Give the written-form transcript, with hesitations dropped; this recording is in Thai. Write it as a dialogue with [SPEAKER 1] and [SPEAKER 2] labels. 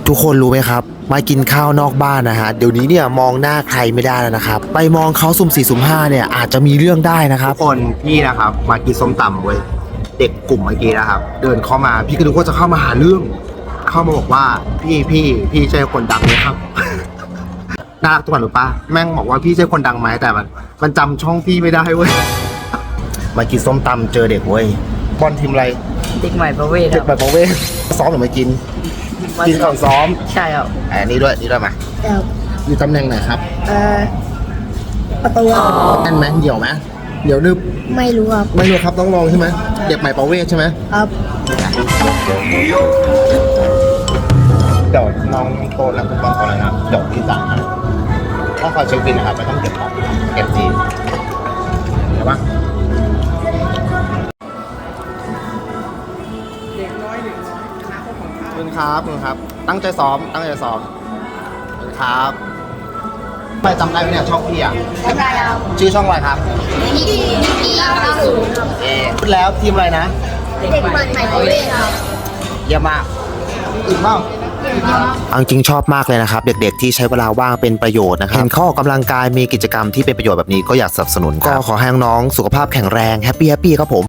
[SPEAKER 1] ทุกคนรู้ไหมครับมากินข้าวนอกบ้านนะฮะเดี๋ยวนี้เนี่ยมองหน้าใครไม่ได้แล้วนะครับไปมองเขาสุ่ม4สุ่ม5เนี่ยอาจจะมีเรื่องได้นะครับ
[SPEAKER 2] ทุกคนพี่นะครับมากินส้มตำเว้ยเด็กกลุ่มเมื่อกี้นะครับ เดินเข้ามาพี่ก็นึกว่าจะเข้ามาหาเรื่อง เข้ามาบอกว่าพี่ใช่คนดังไหมครับ น่ารักทุกคนหรือปะแม่งบอกว่าพี่ใช่คนดังไหมแต่มันจำช่องพี่ไม่ได้เว้ย มากินส้มตำเจอเด็กเว้ยบอลทีมอะไร
[SPEAKER 3] เด็กใหม่ประเวศค
[SPEAKER 2] เด็
[SPEAKER 3] รั
[SPEAKER 2] ก
[SPEAKER 3] บ
[SPEAKER 2] แบบประเวศซ้อมหรือไม่กินกินก่อนซ้อม
[SPEAKER 3] ใช่ครับ
[SPEAKER 2] นี่ด้วยมาอยู่ตำแหน่งไหนครับ
[SPEAKER 4] ประตู
[SPEAKER 2] แน่นไหมเหี่ยวไหมเหี่ยวนึบ
[SPEAKER 4] ไม่รู้ครับ
[SPEAKER 2] ไม่รู้ครับต้องลองใช่ไหมเด็กใหม่ประเวศใช่ไหม
[SPEAKER 4] ครับ
[SPEAKER 2] เดี๋ยวน้องโตแล้วคุณบอลก่อนนะครับเดี๋ยวที่สั่งนะต้องคอยเช็คบินนะครับไม่ต้องเก็บของเก็บดีเห็นปะขอบคุณครับ ตั้งใจซ้อมขอบคุณครับไปจำได้ไหมเนี่ยช่องพี่อ่ะ
[SPEAKER 4] ไม่ได้ครับ
[SPEAKER 2] ชื่อช่องอะไรครับ
[SPEAKER 4] ที่เราสูงครับ
[SPEAKER 2] พูดแล้วทีมอะไรนะ
[SPEAKER 4] เด็กใหม่ประเวศครับ
[SPEAKER 2] เยี่ยมมากอีกเปล่า
[SPEAKER 1] เอาจริงชอบมากเลยนะครับเด็กๆที่ใช้เวลาว่างเป็นประโยชน์นะครับเห็นเขาออกกำลังกายมีกิจกรรมที่เป็นประโยชน์แบบนี้ก็อยากสนับสนุนก็ขอให้น้องๆสุขภาพแข็งแรงแฮปปี้ครับผม